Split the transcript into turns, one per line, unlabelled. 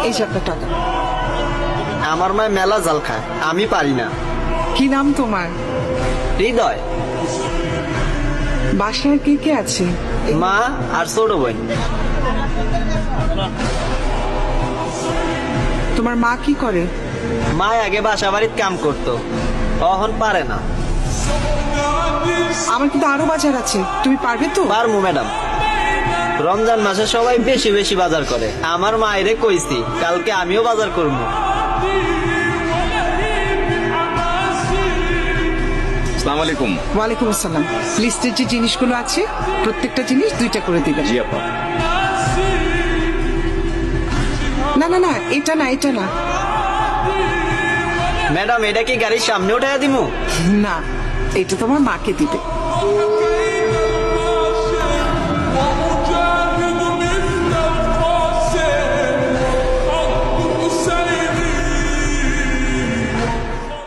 এই যে আপনার টাকা।
আমার মায় মেলা জাল খায়, আমি পারি না।
কি নাম তোমার?
হৃদয়।
বাসায় কে কে আছে?
মা আর ছোট বোন।
তোমার মা কি করে?
মা আগে বাসা বাড়ির কাম করতো, এখন পারে না।
আমার কিন্তু আরো বাজার আছে, তুমি পারবে তো?
পারমু ম্যাডাম। রমজান মাসে সবাই বেশি বেশি বাজার করে, আমার মায়েরে কইছি কালকে আমিও বাজার করবো।
আসসালামু আলাইকুম।
ওয়ালাইকুম আসসালাম। লিস্টের যে জিনিসগুলো আছে প্রত্যেকটা জিনিস 2টা করে দিবেন।
জি আপা।
না না না, এটা না, এটা না।
ম্যাডাম এটা কি গাড়ির সামনে উঠাইয়া দিমু?
না, এটা তোমার মাকে দিবে।